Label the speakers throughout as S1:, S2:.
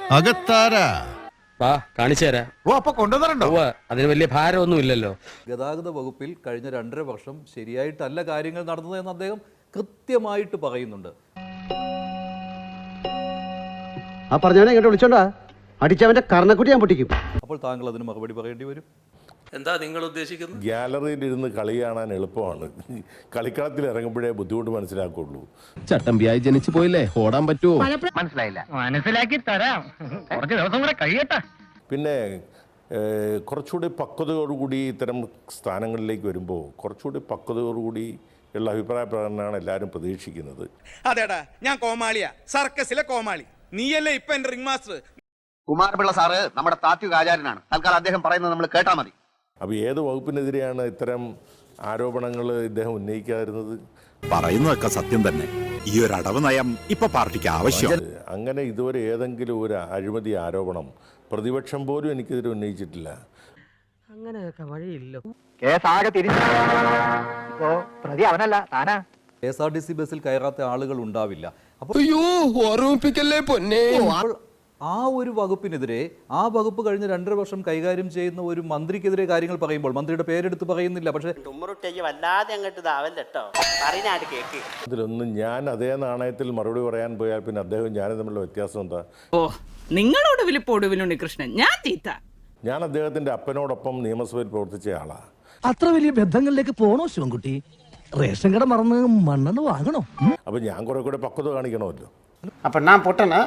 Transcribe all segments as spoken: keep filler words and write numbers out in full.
S1: അകത്താരാ
S2: വാ കാണിച്ചു തരാം.
S3: ഓ അപ്പൊ കൊണ്ടുവന്നിട്ടുണ്ടോ?
S2: അതിന് വലിയ ഭാരമൊന്നും ഇല്ലല്ലോ.
S4: ഗതാഗത വകുപ്പിൽ കഴിഞ്ഞ രണ്ടര വർഷം ശരിയായിട്ടല്ല കാര്യങ്ങൾ നടന്നത് എന്ന് അദ്ദേഹം കൃത്യമായിട്ട് പറയുന്നുണ്ട്.
S5: ആ പറഞ്ഞവനെ ഇങ്ങോട്ട് വിളിച്ചോണ്ടാ അടിച്ചവന്റെ കർണക്കുട്ടി ഞാൻ പൊട്ടിക്കും.
S4: അപ്പോൾ താങ്കൾ അതിന് മറുപടി പറയേണ്ടി വരും.
S2: എന്താ നിങ്ങൾ ഉദ്ദേശിക്കുന്നത്?
S6: ഗ്യാലറിയിൽ ഇരുന്ന് കളി കാണാൻ എളുപ്പമാണ്, കളിക്കളത്തിൽ ഇറങ്ങുമ്പോഴേ ബുദ്ധിമുട്ട് മനസ്സിലാക്കുള്ളൂ.
S7: ചട്ടമ്പിയായി ജനിച്ചു പോയില്ലേ, ഓടാൻ പറ്റുമോ?
S8: മനസ്സിലായില്ല. മനസ്സിലാക്കി തരാം, കുറച്ച് ദിവസം കൂടെ കഴിയട്ടെ.
S6: പിന്നെ കുറച്ചുകൂടി പക്വതയോടുകൂടി ഇത്തരം സ്ഥാനങ്ങളിലേക്ക് വരുമ്പോൾ കുറച്ചുകൂടി പക്വതയോടുകൂടി ഉള്ള അഭിപ്രായ പ്രകടനമാണ് എല്ലാവരും പ്രതീക്ഷിക്കുന്നത്.
S9: അതേടാ, ഞാൻ കോമാളിയാ, സർക്കസിലെ കോമാളി. നീയല്ലേ ഇപ്പൊ എന്റെ റിംഗ് മാസ്റ്റർ.
S5: കുമാരപിള്ള സാറ് നമ്മുടെ താത്വിക ആചാര്യനാണ്. തൽക്കാലം അദ്ദേഹം പറയുന്നത് നമ്മൾ കേട്ടാ മതി.
S6: അപ്പോൾ ഏത് വകുപ്പിനെതിരെയാണ് ഇത്തരം ആരോപണങ്ങൾ ഇദ്ദേഹം ഉന്നയിക്കാതിരുന്നത്?
S3: പറയുന്നതൊക്കെ സത്യം തന്നെ. ഈ ഒരു അടവ് നയം ഇപ്പൊ പാർട്ടിക്ക് ആവശ്യം.
S6: അങ്ങനെ ഇതുവരെ ഏതെങ്കിലും ഒരു അഴിമതി ആരോപണം പ്രതിപക്ഷം പോലും എനിക്കെതിരെ ഉന്നയിച്ചിട്ടില്ല.
S8: അങ്ങനെയൊക്കെ വഴിയില്ലോ.
S5: കേസാകെ തിരിച്ചു. ഇപ്പോ പ്രതി അവനല്ല താനാ.
S4: K S R T C ബസ്സിൽ കയറാത്ത ആളുകൾ ഉണ്ടാവില്ല. അപ്പോൾ
S7: ഓർമ്മിപ്പിക്കല്ലേ പൊന്നെ.
S4: ആ ഒരു വകുപ്പിനെതിരെ, ആ വകുപ്പ് കഴിഞ്ഞ രണ്ടര വർഷം കൈകാര്യം ചെയ്യുന്ന ഒരു മന്ത്രിക്കെതിരെ കാര്യങ്ങൾ പറയുമ്പോൾ മന്ത്രിയുടെ പേരെടുത്ത് പറയുന്നില്ല. പക്ഷേ
S8: വല്ലാതെ അങ്ങോട്ട് ഇതാവല്ലോ, കേക്ക്.
S6: ഇതിലൊന്നും ഞാൻ അതേ നാണയത്തിൽ മറുപടി പറയാൻ പോയാൽ പിന്നെ അദ്ദേഹം ഞാനും തമ്മിലുള്ള വ്യത്യാസം എന്താ?
S10: ഓ, നിങ്ങളോട് വിളിപ്പോടുവിലുണ്ട് കൃഷ്ണൻ, ഞാൻ തീറ്റ.
S6: ഞാൻ അദ്ദേഹത്തിന്റെ അപ്പനോടൊപ്പം നിയമസഭയിൽ പ്രവർത്തിച്ച ആളാ.
S7: അത്ര വലിയ ബന്ധങ്ങളിലേക്ക് പോണോ ശിവൻകുട്ടി? റേഷൻ കട മറന്ന് മണ്ണെന്ന് വാങ്ങണോ?
S6: അപ്പൊ ഞാൻ കുറെ കൂടെ പക്വത കാണിക്കണമല്ലോ.
S8: അപ്പൊ ഞാൻ പൊട്ടനാ?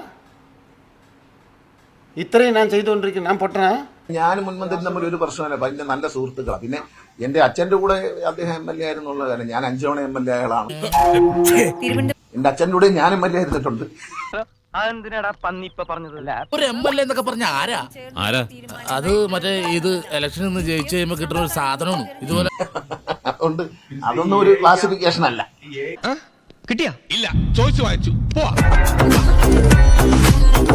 S8: ഇത്രയും ഞാൻ ചെയ്തുകൊണ്ടിരിക്കുന്നു, ഞാൻ പൊട്ടനാ?
S3: ഞാനും മുൻമന്ത്രി തമ്മിൽ ഒരു പ്രശ്നമല്ല, വലിയ നല്ല സുഹൃത്തുക്കളാണ്. പിന്നെ എന്റെ അച്ഛന്റെ കൂടെ അദ്ദേഹം എം എൽ എ ആയിരുന്നുള്ള കാര്യം, ഞാൻ അഞ്ചു തവണ എം എൽ എ ആളാണ്. എന്റെ അച്ഛൻ്റെ കൂടെ ഞാൻ എം എൽ എ ആയിരുന്നിട്ടുണ്ട്.
S7: ഒരു എം എൽ എ എന്നൊക്കെ പറഞ്ഞ ആരാ ആരാ അത്? മറ്റേ ഇത് ഇലക്ഷനിൽ നിന്ന് ജയിച്ചു കഴിയുമ്പോ കിട്ടുന്ന ഒരു സാധനമാണ് ഇതുപോലെ.
S3: അതുകൊണ്ട് അതൊന്നും ഒരു ക്ലാസിഫിക്കേഷൻ അല്ല.
S7: കിട്ടിയാ ഇല്ല, ചോദിച്ചു വാങ്ങിച്ചു പോവാ.